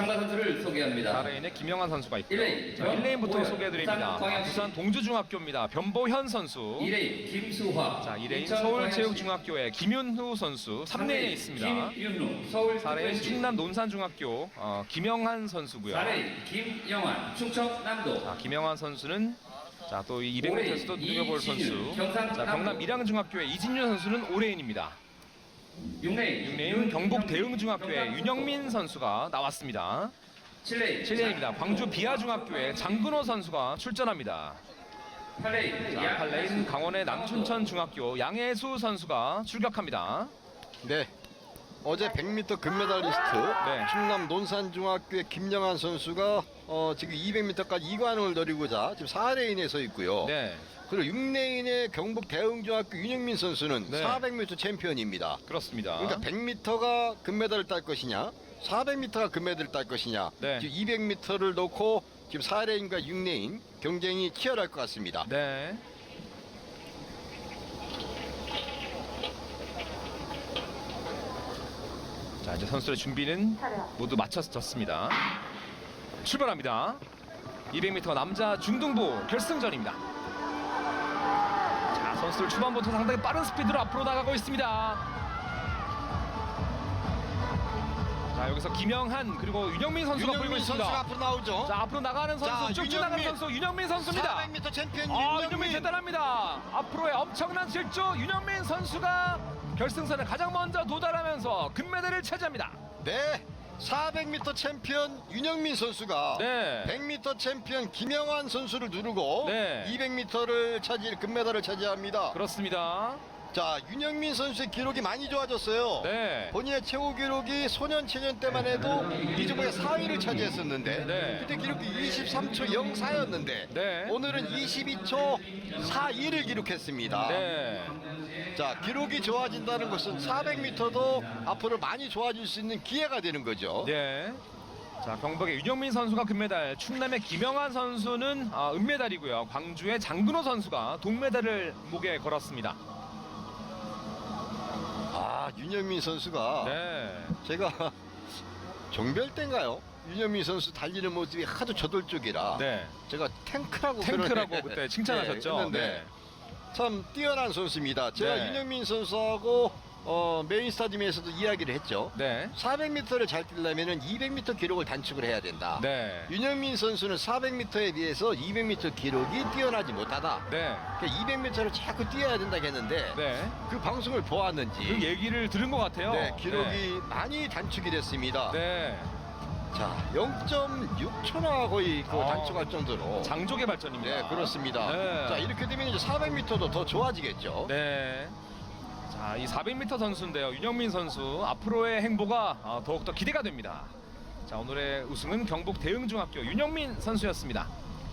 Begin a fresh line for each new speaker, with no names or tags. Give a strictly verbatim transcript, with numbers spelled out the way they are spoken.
참가 선수를 소개합니다.
사 레인에 김영환 선수가 있고요.
일 레인
자, 일 레인부터
오현,
소개해드립니다.
부산
부산 동주중학교입니다. 변보현 선수.
이 레인 김수화.
자, 이 레인
인천
서울체육중학교의 김윤후 선수. 삼 레인에
레인
있습니다.
김윤우 서울
사 레인 충남 논산중학교 어, 김영한 선수고요.
사 레인 김영환 충청남도.
자, 김영환 선수는 자, 또 이 이백 미터에서도 눈여볼
이진유,
선수.
경상남도.
자, 경남 밀양중학교의 이진유 선수는 오 레인입니다.
육 레인
육 레인 경북 대흥중학교의 윤영민 선수가 나왔습니다.
칠 레인
칠 레인입니다. 광주 비아중학교의 장근호 선수가 출전합니다.
팔 레인
자, 팔 레인 강원의 남춘천 중학교 양혜수 선수가 출격합니다.
네. 어제 백 미터 금메달리스트
네.
충남 논산중학교의 김영환 선수가 어, 지금 이백 미터까지 이 관왕을 노리고자 지금 사 레인에 서 있고요.
네,
그리고 육 레인의 경북 대흥중학교 윤영민 선수는
네.
사백 미터 챔피언입니다.
그렇습니다.
그러니까 백 미터가 금메달을 딸 것이냐, 사백 미터가 금메달을 딸 것이냐.
네.
지금 이백 미터를 놓고 지금 사 레인과 육 레인 경쟁이 치열할 것 같습니다.
네. 자, 이제 선수들의 준비는 모두 마쳐졌습니다. 출발합니다. 이백 미터 남자 중등부 결승전입니다. 자, 선수들 초반부터 상당히 빠른 스피드로 앞으로 나가고 있습니다. 자, 여기서 김영한 그리고 윤영민 선수가 보이고
윤영민 선수가
있습니다.
앞으로 나오죠.
자, 앞으로 나가는 선수,
자,
쭉쭉 나가는
윤영민.
선수 윤영민 선수입니다.
사백 미터 챔피언
아,
윤영민.
윤영민 대단합니다. 앞으로의 엄청난 질주 윤영민 선수가 결승선에 가장 먼저 도달하면서 금메달을 차지합니다.
네. 사백 미터 챔피언 윤영민 선수가
네.
백 미터 챔피언 김영환 선수를 누르고
네.
이백 미터를 차지 금메달을 차지합니다.
그렇습니다.
자, 윤영민 선수의 기록이 많이 좋아졌어요.
네.
본인의 최고 기록이 소년체전 때만 해도 이즈모의 사 위를 차지했었는데
네.
그때 기록이 이십삼 초 영사였는데
네.
오늘은 이십이 초 사이를 기록했습니다.
네.
자, 기록이 좋아진다는 것은 사백 미터도 앞으로 많이 좋아질 수 있는 기회가 되는 거죠.
네. 자, 경북의 윤영민 선수가 금메달, 충남의 김영환 선수는 아, 은메달이고요. 광주의 장근호 선수가 동메달을 목에 걸었습니다.
아, 윤영민 선수가
네.
제가 종별 때인가요? 윤영민 선수 달리는 모습이 하도 저돌적이라
네.
제가 탱크라고
탱크라고
그런-
그때 칭찬하셨죠?
네, 했는데
네.
참 뛰어난 선수입니다. 제가
네.
윤영민 선수하고 어, 메인 스타디움에서도 이야기를 했죠.
네.
사백 미터를 잘 뛰려면 이백 미터 기록을 단축을 해야 된다.
네.
윤영민 선수는 사백 미터에 비해서 이백 미터 기록이 뛰어나지 못하다.
네.
그러니까 이백 미터를 자꾸 뛰어야 된다 했는데
네.
그 방송을 보았는지
그 얘기를 들은 것 같아요.
네, 기록이
네.
많이 단축이 됐습니다.
네.
자, 영 점 육 초나 거의 그
아,
단축할 정도로.
장족의 발전입니다.
네, 그렇습니다.
네.
자, 이렇게 되면 이제 사백 미터도 더 좋아지겠죠.
네. 자, 이 사백 미터 선수인데요. 윤영민 선수 앞으로의 행보가 어, 더욱더 기대가 됩니다. 자, 오늘의 우승은 경북 대흥중학교 윤영민 선수였습니다.